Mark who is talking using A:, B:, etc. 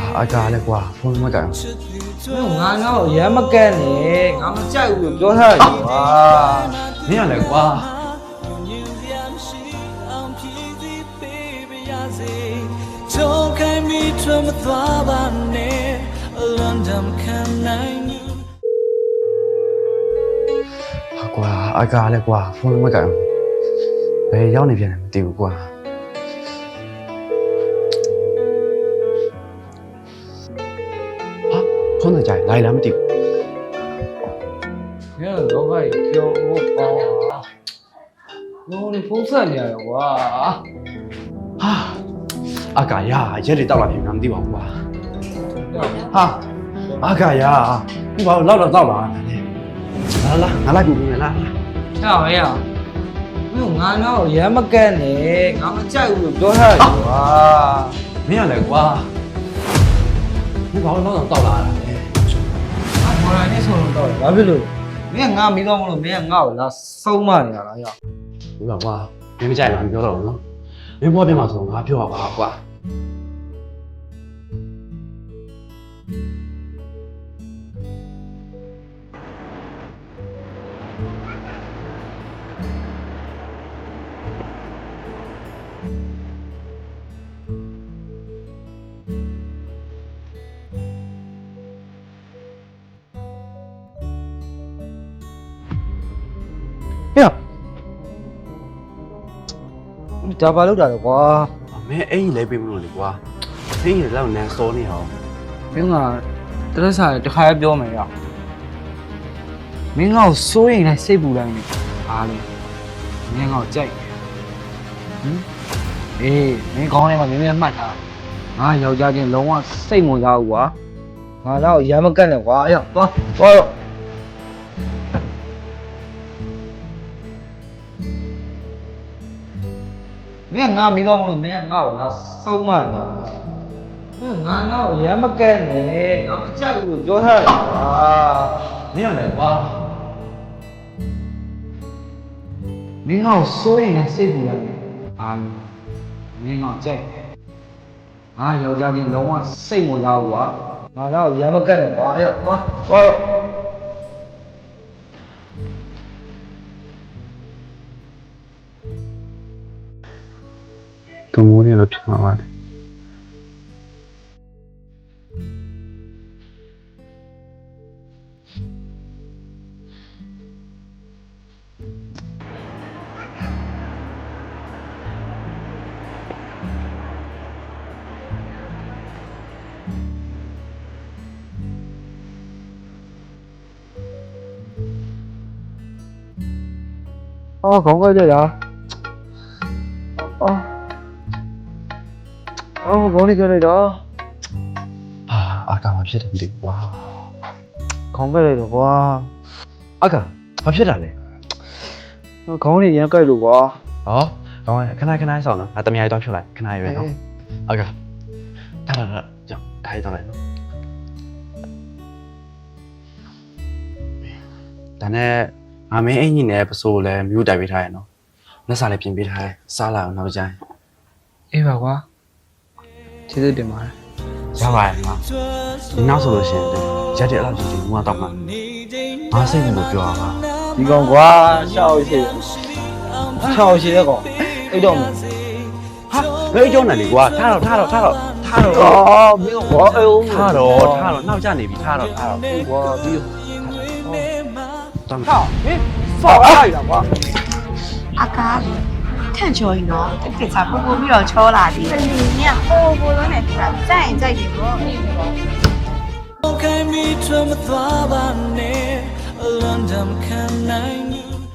A: အကားလဲကွာဖုန်းမကန်
B: ငါတော့ရမ်းမကန်းနဲ့ငါမကြိုက်ဘူးလို့ပြောထားတယ်ကွာ
A: မင်းရလဲကွာဟာကွာအကားလဲကွာဖုန်းမကန်ဘယ်ရောက်နေပြန်လဲမသိဘူးကွာဟာဖုန်းကြိုင်လိုက်လားမသိဘူး
B: ငါတော့ဘာပြောဖို့ပေါ့လုံးဖုန်းဆက်နေရတော့ကွာ
A: ဟာအကာရရက်တွေတောက်လာပြီငါမသိပါဘူးကွာဟာအကာရဒီဘာလို့လောက်တော့တောက်လာတယ်လာငါလိုက်ပြီမယ်လား
B: ဟဲ့ဟဲ့ငါတော့ရမ်းမကန်းနဲ့ငါမကြိုက်ဘူးလို့ပြောထားတယ်ကွာ
A: မင်းရလဲကွာဒီဘာလို့လောက်တော့တောက်လာတာလဲ
B: မော်ရိုင်းနဲ့ဆိုတော့ဘာဖြစ်လို့မင်းငါမီးတော့မလို့မင်းငါ့ကိုလာဆုံးမနေရတာရော
A: ဒီပါကွာမင်းမကြိုက်လားမပြောတော့ဘူးနော်မင်းဘွားပြန်မှာဆိုငါပြောပါကွာ
B: ဒါဘာလုပ်တာလဲကွာ
A: မင်းအိမ်လဲပေးမလို့လေကွာအိမ်ရလောက်နန်းစောနေအောင်
B: မင်းကတရက်စားတခါပြောမယ်ရောမင်းငါ့ကိုစိုးရင်လည်းစိတ်ပူတိုင်းနေအားလေမင်းငါ့ကိုကြိုက်ဟင်အေးမင်းကောင်းထဲမှာမင်းမှတ်ထားငါယောက်ျားချင်းလုံးဝစိတ်ဝင်စားဘူးကွာငါတော့ရမ်းမကတ်နဲ့ကွာအေးသွားတော့မင်းငါမီးတော့မလို့မင်းငါ့ကိုလာဆုံးမနေတာငါတော့ရမ်းမကန်းနဲ့ငါမကြိုက်ဘူးလို့ပြောထားတယ်ကွာ
A: မင်းရလဲကွာ
B: မင်းငါ့ကိုစိုးရင်လည်းစိတ်ပူရတယ်အာမင်းငါ့ကိုကြိုက်ငါယောက်ျားချင်းလုံးဝစိတ်ဝင်စားဘူးကွာငါတော့ရမ်းမကန်းနဲ့ကွာအေးသွား
A: တုံမိုးနေလို့ဖြစ်မှာပါလေ
B: အော်ခေါင်းကိုက်ကြရအော်ခေါင်းလေးကြလိုက်တော့
A: ဟာအကာမဖြစ်တယ်မသိဘူးကွာ
B: ခေါင်းကိုက်လိုက်တော့ကွာ
A: အကာဘာဖြစ်တာလဲ
B: ခေါင်းလေးရမ်းကိုက်လို့ကွာ
A: ဟောကောင်းခဏဆောင်နော်ငါတမယားတော့ဖြုတ်လိုက်ခဏရွယ်နော်အကာဒါကြောင့်ဒါရတော့လိုက်နော်ဒါနဲ့ငါမင်းအင်ကြီးနဲ့ပစိုးလဲမြို့တိုက်ပေးထားရနော်လက်စားလည်းပြင်ပေးထားတယ်စားလာအောင်နောက်ကြိုင်း
B: အေးပါကွာကျေးဇူးတင်ပါတယ်
A: ရပါတယ်ငါဒီနောက်ဆိုလို့ရှိရင်ရက်တဲ့အဲ့လောက်ကြီးငါတော့မှငါစိတ်ကိုပြောရမှာ
B: ဒီကောင်ကွာရှောက်ရှိတဲ့ကောင်အိတ်တော့မ
A: ဟာဘယ်ကြောနဲ့လေကွာထားတော့
B: အော်မင်းကွာအေး
A: ထားတော့နောက်ကျနေပြီထားတော့
B: ကွာပြီး
A: တော့
B: ဟာမင်းဖောက်လိုက်တာကွာ
C: 阿嘎，看球赢哦，这场波波比较巧啦的。你呀，波波都来看，再赢不？
D: 开米这么多把年，冷淡看难你。